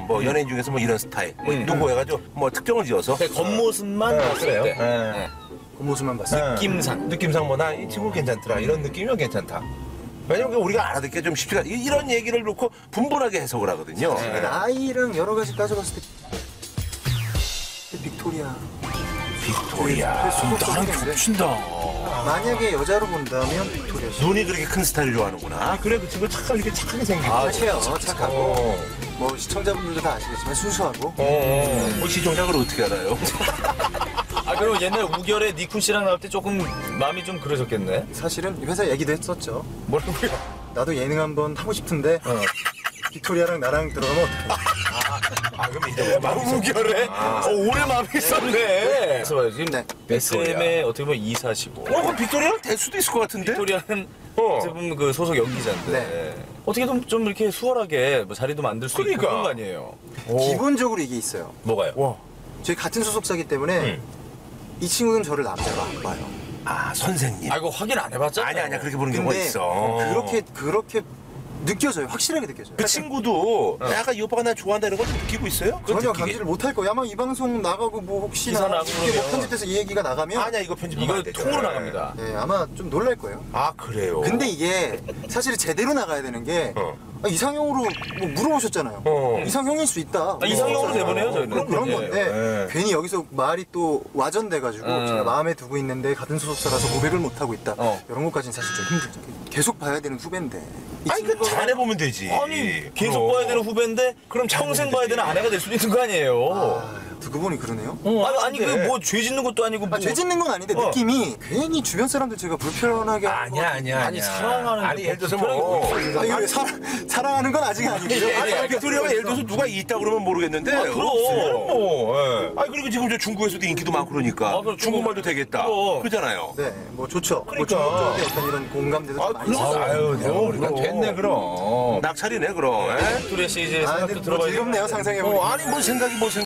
뭐 연예인 중에서 뭐 이런 스타일 뭐 누구 해가지고 뭐 특정을 지어서 겉모습만 봤을 때. 네. 겉모습만 봤어요. 느낌상 뭐 나 이 친구 괜찮더라 이런 느낌이면 괜찮다. 왜냐면 우리가 알아듣기가 좀 쉽지가 이런 얘기를 놓고 분분하게 해석을 하거든요. 나이랑 여러 가지 따져봤을 때 빅토리아. 나랑 겹친다. 만약에 여자로 본다면 빅토리아 씨. 눈이 그렇게 큰 스타일을 좋아하는구나. 아, 그래 그 친구 착하게 생기고. 착해요. 착하고. 뭐 시청자분들도 다 아시겠지만 순수하고. 뭐 시청자를 어떻게 알아요? 아, 그럼 옛날 우결에 니쿤 씨랑 나올 때 조금 마음이 좀 그러셨겠네. 사실은 회사 얘기도 했었죠. 뭐라고요? 나도 예능 한번 하고 싶은데 빅토리아랑 나랑 들어가면 어떡해. 그럼 이제 우결에? 오래 마음이 있었네. 그래서 봐요. 지금 네. SM의 어떻게 보면 이사시고. 그럼 빅토리아랑 될 수도 있을 것 같은데? 빅토리아는 어떻게 보면 그 소속 연기자인데. 네. 어떻게 좀 이렇게 수월하게 뭐 자리도 만들 수 있고 그런 거 아니에요? 기본적으로 이게 있어요. 뭐가요? 저희 같은 소속사기 때문에 이 친구는 저를 남자로 안 봐요. 아, 선생님. 아, 이거 확인 안 해봤잖아요. 아니야 그렇게 보는 경우가 근데 있어. 그렇게 느껴져요. 확실하게 느껴져요. 그 친구도 약간 이 오빠가 나 좋아한다 이런 걸 좀 느끼고 있어요? 전혀 감지를 못할 거예요. 아마 이 방송 나가고 뭐 혹시나 기사 나가고 이게 뭐 그러면. 편집돼서 이 얘기가 나가면 아니야 이거 편집하면 이거 안 되죠. 통으로 나갑니다. 네, 아마 좀 놀랄 거예요. 아 그래요? 근데 이게 사실 제대로 나가야 되는 게 이상형으로 뭐 물어보셨잖아요. 이상형일 수 있다. 이상형으로 내보내요, 저희는. 그런 예. 건데 괜히 여기서 말이 또 와전돼가지고 제가 마음에 두고 있는데 같은 소속사라서 고백을 못 하고 있다. 이런 것까지는 사실 좀 힘들죠. 계속 봐야 되는 후배인데. 이 아니 그 친구가 잘해보면 되지. 아니, 계속 봐야 되는 후배인데 그럼 평생 봐야 되는 아내가 될 수도 있는 거 아니에요? 두고 보니 그러네요. 아니 그 뭐 죄 짓는 것도 아니고 뭐. 죄 짓는 건 아닌데 느낌이 괜히 주변 사람들 제가 불편하게 아니야. 아니, 사랑하는 아니 예를 들어서 뭐 아니 근데 사랑하는 건 아직 아니고요. 아니 빅토리아가 예를 들어서 누가 있다 그러면 모르겠는데 그럼. 아니 그리고 지금 저 중국에서도 인기도 많고 그러니까 그럼 중국말도 되겠다 그럼. 그러잖아요. 네, 뭐 좋죠. 뭐 그러니까. 중국 쪽에 어떤 이런 공감대도 좀 많이 있어요. 아유 내가 우리가 그럼. 됐네 그럼 낙찰이네 그럼. 빅토리아 씨 이제 아, 생각도 근데 뭐 들어봐야 즐겁네요 상상해보니까. 아니 뭔 생각이